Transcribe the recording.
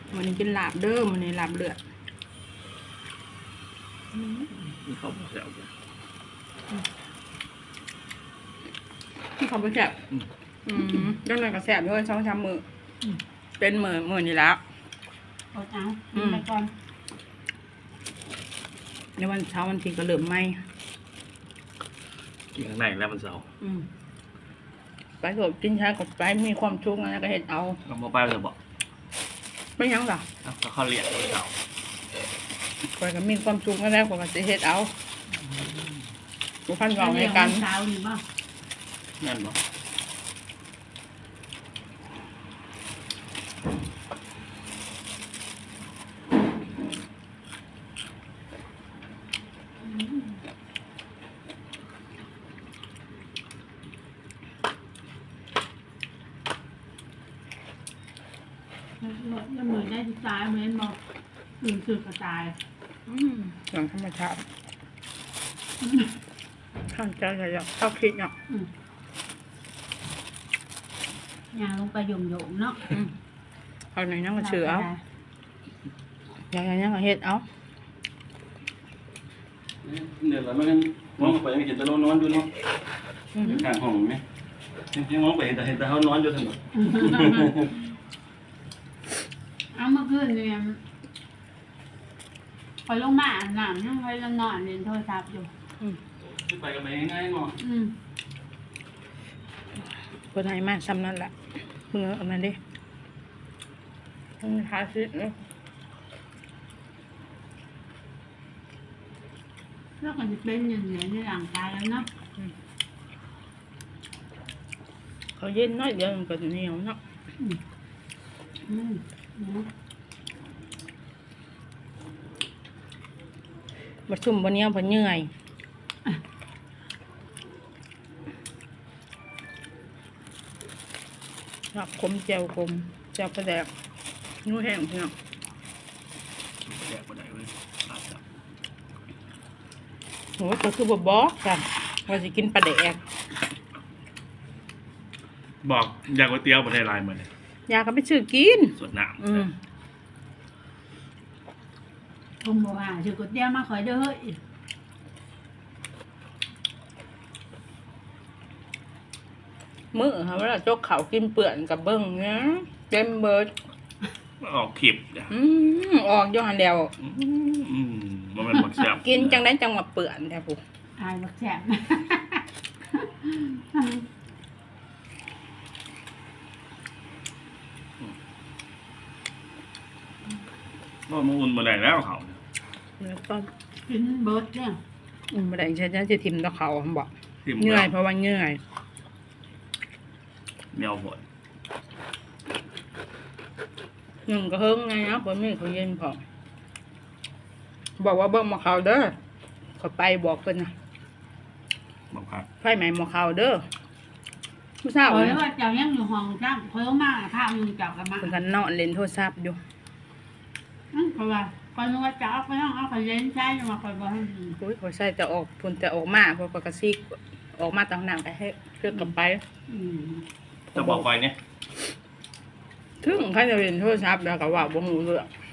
วันนี้กินลาบเด้อวันนี้ลาบเลือดมีข้าวแซ่บเลยที่เขาไปแซ่บยังไงก็แซ่บด้วย2-3 มื้อเป็นมื้อนี่แล้วเอากินไปก่อนในวันเช้าวันที่ก็เริ่มไหมกินข้างในแล้วมันเศร้าไปโสดกินช้ากับไปมีความชุกข์นะก็เห็ดเอาเอามาไปเลยบอกไม่ยั้งหรอเอาเขาเรียกมันเศร้าไปก็มีความชุกข์แล้วก็จะเห็ดเอาบุพันเราในกันเช้านี่บ่นั่นบอกแล้วเหมือนได้ที่ตายเหมือนบอกตื่นสึกกระจายอย่างธรรมชาติข้างใจใหญ่ๆเข้าคิดเนาะยางลงไปโยงๆเนาะเอาไหนนั่งก็เชื่อเอาอย่างนั้นก็เห็ดเอาเดี๋ยวเราไม่กันมองไปยังเห็นแต่เรานอนอยู่เนาะข้างห้องไหมยังมองไปเห็นแต่เขานอนอยู่ทั้งหมดเอาเมื่อคืนเนี่ยพอลงมาอาบน้ำยังไปลงนอนเล่นโทรศัพท์อยู่ไปกันไปง่ายๆเนาะคนไทยมากซ้ำนั่นแหละเมื่อเอามาดิทาซิเนาะแล้วก็จะเป็นอย่างนี้ในร่างกายแล้วเนาะเขาเย็นน้อยเดียวมันก็เหนียวเนาะมาซุ่มวันนี้พอเหนื่อยรับคมแจวคมแจวประแดกนู้แห้งเนาะแยกไปไหนเลยลาบจับโหก็คือบ่บอกกันว่าสิกินปลาแดกบอกอยากก๋วยเตี๋ยวประเทศลายมาเนี่ยอยากก็ไปซื้อกินสวนน้ำผมบอกว่าถือกดเดียวมาคอยเด้อเฮ้ยมื้อค่ะเวลาจกเขาวกินเปื่อนกับเบิ้งนะเต็มเบิดออกขีบจ้ะออกย้อนแล้วมันเป็นบักแซ่บกินจังได้จังหวะเปื่อนแท้ผู้อายบักแฉบก็มาอุ่นมาได้แล้วเขาแล้วก็กินเบิร์ดเนี่ยบ่ได้ใช่จะทิ่มตะเขาบอกทิมเหนื่อยเพราะว่าเหนื่อยเหนียวหดหนึ่งก็เฮิงไงนะบ่มีเขาเย็นพอบอกว่าเบิ่งหมอเขาเด้อเขาไปบอกเพิ่นนะบักผักไฟไหม้หมอเขาเด้อผู้สาวคอยเนี่ยว่าเจ้ายังอยู่ห้องจ้างคอยมาข้าวมึงเจ้ากันมาเพิ่นก็นอนเล่นโทรศัพท์อยู่เพราะว่าคอยนึกว่าจะเอาไปห้องเอาคอยเล่นใช้มาคอยบอกให้อุ้ยเขาใส่แต่ออกพุ่นแต่ออกมาเพราะกระซิกออกมาตามน้ำก็ให้เพื่อกลับไปจะบอกไปเนี่ยถึงเขาจะเล่นโทรศัพท์แล้วก็ว่าบ่ฮู้เรื่อง